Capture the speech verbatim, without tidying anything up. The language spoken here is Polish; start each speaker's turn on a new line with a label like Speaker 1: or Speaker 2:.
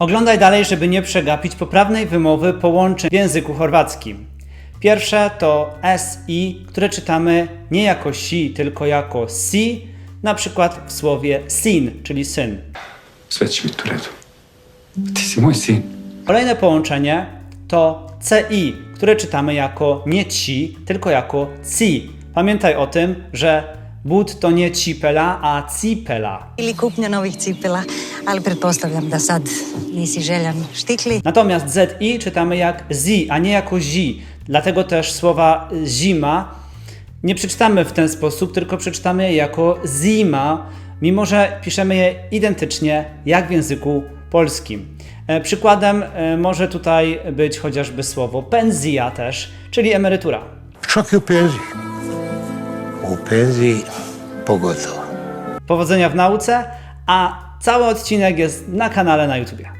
Speaker 1: Oglądaj dalej, żeby nie przegapić poprawnej wymowy połączeń w języku chorwackim. Pierwsze to S I, które czytamy nie jako si, tylko jako si, na przykład w słowie sin, czyli syn.
Speaker 2: Sve će biti u redu. Ti si moj sin.
Speaker 1: Kolejne połączenie to C I, które czytamy jako nie ci, tylko jako ci. Pamiętaj o tym, że but to nie cipela, a cipela.
Speaker 3: Ili kupnja novih cipela, ali pretpostavljam da sad nisi željan štikli.
Speaker 1: Natomiast Z I czytamy jak zi, a nie jako zi. Dlatego też słowa zima nie przeczytamy w ten sposób, tylko przeczytamy je jako zima, mimo że piszemy je identycznie jak w języku polskim. E, przykładem e, może tutaj być chociażby słowo pensja też, czyli emerytura.
Speaker 4: Čak i u penziji. U penziji pogotovo.
Speaker 1: Powodzenia w nauce, a cały odcinek jest na kanale na YouTubie.